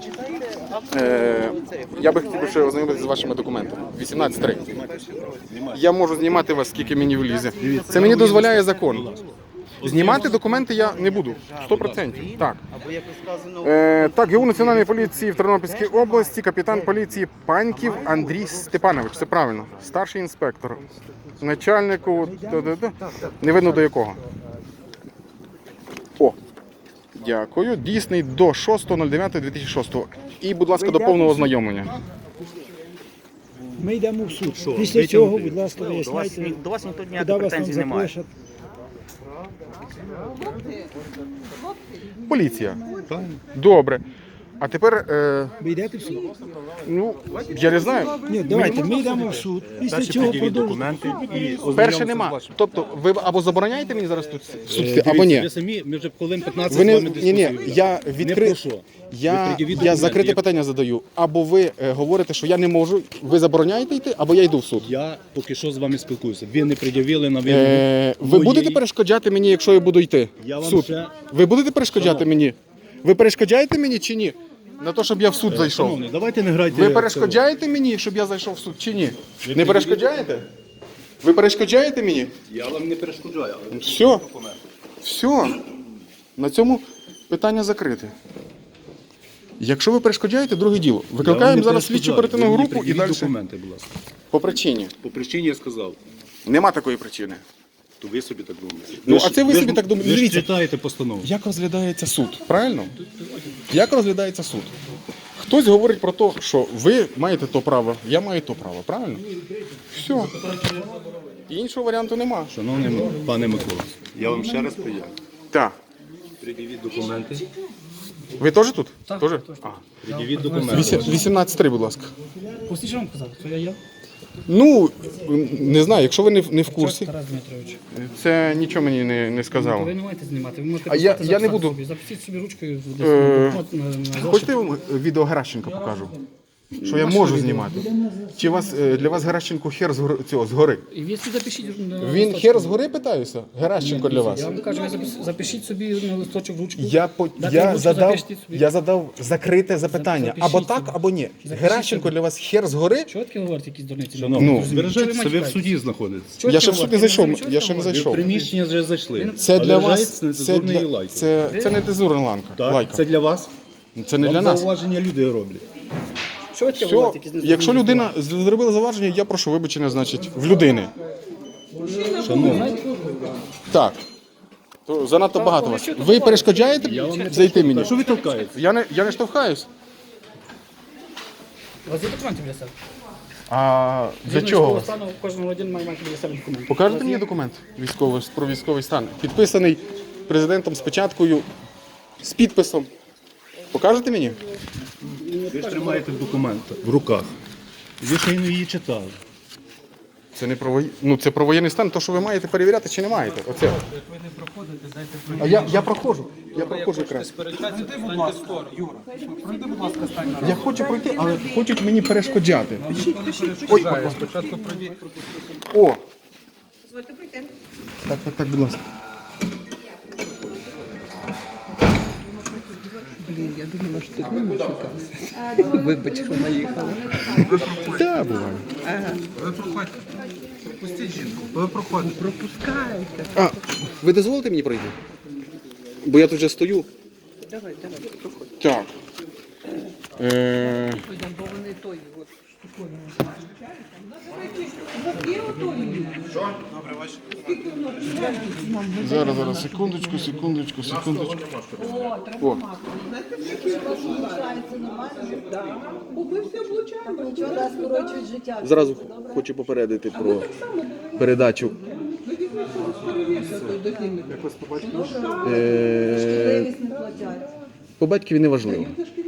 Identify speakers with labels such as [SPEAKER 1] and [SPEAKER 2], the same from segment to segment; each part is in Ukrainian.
[SPEAKER 1] Я би хотів ще ознайомитися з вашими документами. 18.3. Я можу знімати вас, скільки мені влізе. Це мені дозволяє закон. Знімати документи я не буду. 100%. Так. Так, ГУ Національної поліції в Тернопільській області, капітан поліції Паньків Андрій Степанович. Це правильно. Старший інспектор. Начальнику... Не видно до якого. О. Дякую. Дійсний до 6.09.2006. І, будь ласка, до повного ознайомлення.
[SPEAKER 2] Ми йдемо в суд. Після цього, будь ласка, виясняйте,
[SPEAKER 3] До вас ніхто
[SPEAKER 2] куди
[SPEAKER 3] ніяких
[SPEAKER 2] вас там
[SPEAKER 3] претензій немає.
[SPEAKER 2] запишуть.
[SPEAKER 1] Поліція. Добре. А тепер,
[SPEAKER 2] Ви йдете в суд?
[SPEAKER 1] ну, я не знаю.
[SPEAKER 2] Ні, давайте, ми йдемо в суд. Після цього продовжуємо.
[SPEAKER 1] Перше нема. Тобто, ви або забороняєте мені зараз тут в суд йти, або ні?
[SPEAKER 4] Ви самі, ми вже хвилин 15
[SPEAKER 1] Ви
[SPEAKER 4] з
[SPEAKER 1] не,
[SPEAKER 4] вами
[SPEAKER 1] ні,
[SPEAKER 4] дискусію.
[SPEAKER 1] я
[SPEAKER 4] Не
[SPEAKER 1] відкрив.
[SPEAKER 4] про що.
[SPEAKER 1] Я закрите питання задаю. Або ви говорите, що я не можу, ви забороняєте йти, або я йду в суд.
[SPEAKER 4] Я поки що з вами спілкуюся. Ви не пред'явили на вимогу.
[SPEAKER 1] Ви
[SPEAKER 4] моєї-
[SPEAKER 1] будете перешкоджати мені, якщо я буду йти
[SPEAKER 4] Я
[SPEAKER 1] в
[SPEAKER 4] вам
[SPEAKER 1] суд?
[SPEAKER 4] ще-
[SPEAKER 1] Ви будете перешкоджати мені? Ви перешкоджаєте мені чи ні? На те, щоб я в суд зайшов.
[SPEAKER 4] Шановний, давайте не грайте.
[SPEAKER 1] Ви перешкоджаєте мені, щоб я зайшов в суд чи ні? Не перешкоджаєте? Ви перешкоджаєте мені?
[SPEAKER 4] Я вам не перешкоджаю, але
[SPEAKER 1] Все. Все. На цьому питання закрите. Якщо ви перешкоджаєте, друге діло. Викликаємо зараз слідчу оперативну групу і далі.
[SPEAKER 4] Документи, будь ласка.
[SPEAKER 1] По причині.
[SPEAKER 4] По причині я сказав,
[SPEAKER 1] Нема такої причини.
[SPEAKER 4] то ви собі так думаєте.
[SPEAKER 1] Ну,
[SPEAKER 4] Ви ж-
[SPEAKER 1] а це ви собі так думаєте.
[SPEAKER 4] Ви ж
[SPEAKER 1] Дивіться.
[SPEAKER 4] читаєте постанову.
[SPEAKER 1] Як розглядається суд? Правильно? Як розглядається суд? Хтось говорить про те, що ви маєте то право, я маю то право. Правильно? Все. Іншого варіанту нема.
[SPEAKER 4] Шановний пане Микола, я вам ще раз поясню.
[SPEAKER 1] Так.
[SPEAKER 4] Пред'явіть документи.
[SPEAKER 1] Ви теж тут? Теж? А.
[SPEAKER 4] Пред'явіть документи.
[SPEAKER 1] 18.3, будь ласка.
[SPEAKER 2] Пустіть, що вам казав, що я є?
[SPEAKER 1] Ну, не знаю, якщо ви не в курсі,
[SPEAKER 2] Тарас Дмитрович.
[SPEAKER 1] це нічого мені не сказало.
[SPEAKER 2] Ви не маєте знімати, ви можете
[SPEAKER 1] А я
[SPEAKER 2] просто
[SPEAKER 1] не
[SPEAKER 2] записати
[SPEAKER 1] буду.
[SPEAKER 2] собі. Запустіть собі ручкою
[SPEAKER 1] Хочете я вам відео Геращенка покажу? Що я можу знімати? Чи для вас Геращенко хер згори?
[SPEAKER 2] І ви собі запишіть на
[SPEAKER 1] Він
[SPEAKER 2] листочок.
[SPEAKER 1] хер згори, питаюся? Геращенко для вас?
[SPEAKER 2] Я вам кажу, ви запишіть собі на листочок ручку.
[SPEAKER 1] Я задав закрите запитання.
[SPEAKER 2] Запишіть
[SPEAKER 1] Або так,
[SPEAKER 2] собі.
[SPEAKER 1] або ні. Геращенко для вас хер згори?
[SPEAKER 2] Чого таке говорите, якісь дурниці?
[SPEAKER 4] Шановний,
[SPEAKER 1] Ну.
[SPEAKER 4] збережайтеся, ви в суді знаходитесь.
[SPEAKER 2] Чого
[SPEAKER 1] Я
[SPEAKER 2] таке
[SPEAKER 1] ще в суд не
[SPEAKER 2] говорите?
[SPEAKER 1] зайшов.
[SPEAKER 2] Чого
[SPEAKER 1] Я
[SPEAKER 2] таке
[SPEAKER 1] ще не
[SPEAKER 2] говорите?
[SPEAKER 1] зайшов.
[SPEAKER 4] Приміщення вже зайшли.
[SPEAKER 1] Це для вас.
[SPEAKER 4] Це
[SPEAKER 1] Це не дезурна
[SPEAKER 4] Так,
[SPEAKER 1] лайка.
[SPEAKER 4] це для вас.
[SPEAKER 1] Це не для
[SPEAKER 4] Вам
[SPEAKER 1] нас.
[SPEAKER 4] зауваження люди роблять.
[SPEAKER 2] Чого таке
[SPEAKER 1] Все,
[SPEAKER 2] говорите, якісь
[SPEAKER 1] якщо людина зробила заваження, я прошу вибачення, значить, в людини.
[SPEAKER 4] Шановний,
[SPEAKER 1] Так. То занадто багато вас. Ви перешкоджаєте зайти мені?
[SPEAKER 4] що ви толкаєте?
[SPEAKER 1] Я не штовхаюсь.
[SPEAKER 2] У вас є документи для себе?
[SPEAKER 1] А для чого у вас?
[SPEAKER 2] Стану, кожен один має мати для себе документи.
[SPEAKER 1] Покажете мені документ про військовий стан? Підписаний президентом з печаткою, з підписом. Покажете мені?
[SPEAKER 4] Ви ж тримаєте документ в руках. Ви ще й не її читали.
[SPEAKER 1] Це не про це про воєнний стан, то що ви маєте перевіряти чи не маєте. Оце. А я проходжу. Я проходжу якраз. Я хочу пройти, але хочуть мені перешкоджати. Ой, о! Так, будь ласка.
[SPEAKER 5] Я думала, що ти не шукався. Вибач, що наїхала.
[SPEAKER 1] Так, буває.
[SPEAKER 6] Ви проходьте. Пропустіть жінку. Ви проходите.
[SPEAKER 5] Пропускайте.
[SPEAKER 1] А, ви дозволите мені пройти? Бо я тут вже стою.
[SPEAKER 5] Давай, проходь.
[SPEAKER 1] Так.
[SPEAKER 5] Бо вони той, от, штуковину.
[SPEAKER 1] Зараз, секундочку. О. Зразу хочу попередити про передачу. По батькові не важливо.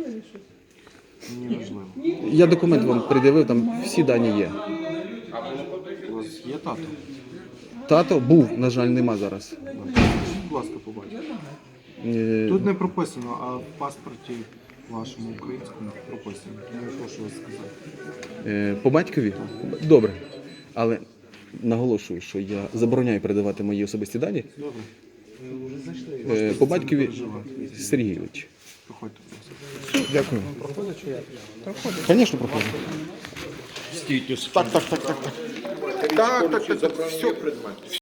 [SPEAKER 1] Я документ вам пред'явив, там всі дані є.
[SPEAKER 6] У вас є тато?
[SPEAKER 1] Тато був, на жаль, нема зараз.
[SPEAKER 6] Будь ласка, побачите.
[SPEAKER 1] Е,
[SPEAKER 6] Тут не прописано, а в паспорті вашому українському прописано. Я не прошу вас сказати.
[SPEAKER 1] По батькові? Добре. Але наголошую, що я забороняю передавати мої особисті дані.
[SPEAKER 6] Добре. Ви вже зайшли.
[SPEAKER 1] По батькові Сергійович.
[SPEAKER 6] Проходьте, будь ласка.
[SPEAKER 1] Дякую.
[SPEAKER 6] Проходить чи як?
[SPEAKER 1] Звісно, проходить.
[SPEAKER 4] Стійте.
[SPEAKER 1] Так. Так. Все.